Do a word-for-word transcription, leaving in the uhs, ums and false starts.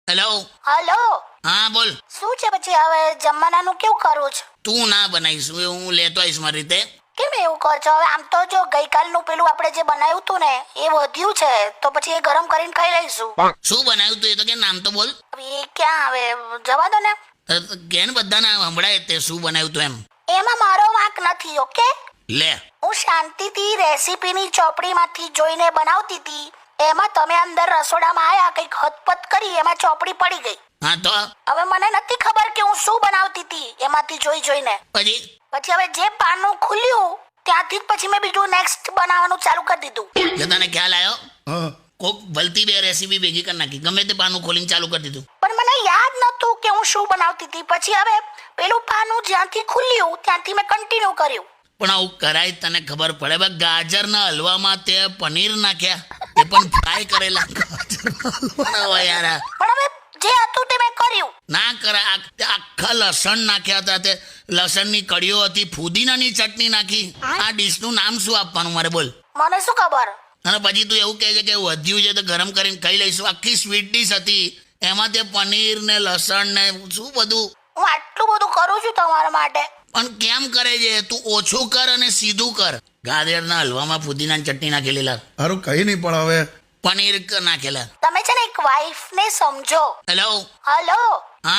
Hello. Hello. હા બોલ. શું છે પછી હવે જમવાનાનું કેવું કરું છું? તું ના બનાવીશ, હું લેતો આવીશ મારી રીતે. કેમ એવું કર છો? હવે આમ તો જો ગઈકાલનું પેલું આપણે જે બનાવ્યું હતું ને એ વધ્યું છે, તો પછી એ ગરમ કરીને ખાઈ લઈશું. શું બનાવ્યું તું એ તો કે નામ તો બોલ. હવે એ ક્યાં હવે જવા દો ને. કેન બધાને સંભળાય તે શું બનાવ્યું તું એમ. એમાં મારો વાંક નથી. ઓકે, લે. હું શાંતિથી રેસીપીની ચોપડીમાંથી જોઈને બનાવતી હતી, એમાં તમે અંદર રસોડામાં આયા કંઈક હતપત કરી, એમાં ચોપડી પડી ગઈ. હા તો હવે મને નથી ખબર કે હું શું બનાવતી હતી એમાંથી જોઈ જોઈને. પછી પછી હવે જે પાનું ખુલ્યું ત્યાંથી જ પછી મેં બીજું નેક્સ્ટ બનાવવાનું ચાલુ કરી દીધું. એટલે તને ખ્યાલ આવ્યો? કોક ભલતી બે રેસીપી ભેગી કરી નાખી, ગમે તે પાનું ખોલીને ચાલુ કરી દીધું. પણ મને યાદ નતું કે હું શું બનાવતી હતી. પછી હવે પેલું પાનું જ્યાંથી ખુલ્યું ત્યાંથી મેં કન્ટિન્યુ કર્યું. પણ આવું કરાય તને ખબર પડે? બા ગાજરના હલવામાં તે પનીર નાખ્યા, એ પણ ફ્રાય કરેલા ગાજરના હલવાના હોય યાર. પણ હવે જે હતું તે મેં કર્યું. ના કરાય. આખા લસણ નાખ્યા હતા, તે લસણની કડીઓ હતી, ફુદીનાની ચટણી નાખી. આ ડીશનું નામ શું આપવાનું મારે બોલ? મને શું ખબર. અને પછી તું એવું કહે છે કે વધ્યું છે તો ગરમ કરીને ખાઈ લઈશું. આખી સ્વીટ ડીશ હતી, એમાં તે પનીર ને લસણ ને શું બધું. હું આટલું બધું કરું છું તમારા માટે. પણ કેમ કરે છે તું? ઓછું કર અને સીધું કર. ગાજરના હલવામાં ફુદીનાની ચટણી નાખેલી, સારું કઈ નહીં, પણ હવે પનીર નાખેલા. તમે છે ને એક વાઈફ ને સમજો. હેલો. હલો.